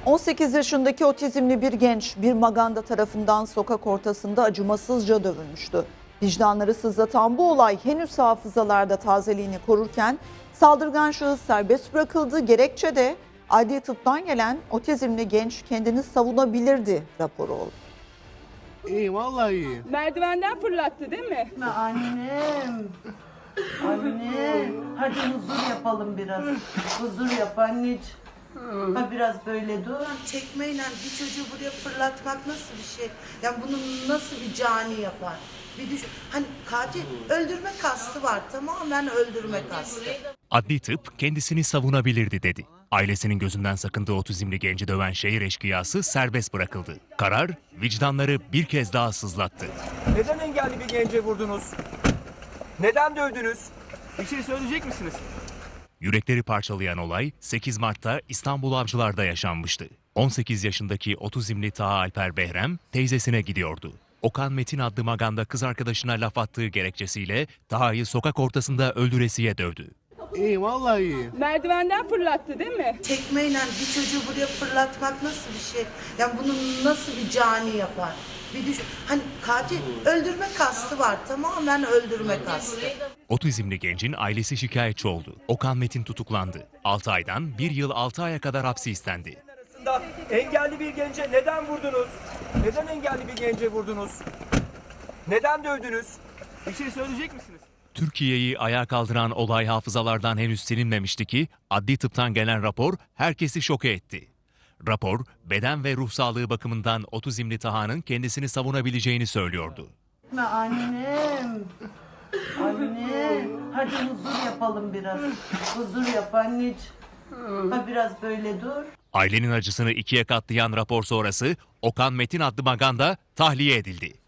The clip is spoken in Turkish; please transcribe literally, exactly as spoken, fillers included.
on sekiz yaşındaki otizmli bir genç bir maganda tarafından sokak ortasında acımasızca dövülmüştü. Vicdanları sızlatan bu olay henüz hafızalarda tazeliğini korurken saldırgan şahıs serbest bırakıldı. Gerekçe de adli tıptan gelen otizmli genç kendini savunabilirdi raporu oldu. İyi, vallahi iyi. Merdivenden fırlattı değil mi? Annem. Anne. Hadi huzur yapalım biraz. Huzur yap anneciğim. Ha biraz böyle dur. Çekmeyle bir çocuğu buraya fırlatmak nasıl bir şey? Yani bunu nasıl bir cani yapar? Bir düşün. Hani katil öldürme kastı var. Tamamen öldürme kastı. Adli tıp kendisini savunabilirdi dedi. Ailesinin gözünden sakındığı otizmli genci döven şehir eşkıyası serbest bırakıldı. Karar vicdanları bir kez daha sızlattı. Neden engelli bir gence vurdunuz? Neden dövdünüz? Bir şey söyleyecek misiniz? Yürekleri parçalayan olay sekiz Mart'ta İstanbul Avcılar'da yaşanmıştı. on sekiz yaşındaki otizmli Taha Alper Behrem teyzesine gidiyordu. Okan Metin adlı maganda kız arkadaşına laf attığı gerekçesiyle Taha'yı sokak ortasında öldüresiye dövdü. İyi, vallahi iyi. Merdivenden fırlattı değil mi? Çekmeyle bir çocuğu buraya fırlatmak nasıl bir şey? Yani bunu nasıl bir cani yapar? Bir düşün. Hani katil öldürme kastı var. Tamamen öldürme kastı. Otizmli gencin ailesi şikayetçi oldu. Okan Metin tutuklandı. altı aydan bir yıl altı aya kadar hapsi istendi. Arasında engelli bir gence neden vurdunuz? Neden engelli bir gence vurdunuz? Neden dövdünüz? Bir şey söyleyecek misiniz? Türkiye'yi ayağa kaldıran olay hafızalardan henüz silinmemişti ki adli tıptan gelen rapor herkesi şoke etti. Rapor, beden ve ruh sağlığı bakımından otizmli Taha'nın kendisini savunabileceğini söylüyordu. Annem. Anne. Hadi huzur yapalım biraz. Huzur yap anneciğim. Ha biraz böyle dur. Ailenin acısını ikiye katlayan rapor sonrası Okan Metin adlı maganda tahliye edildi.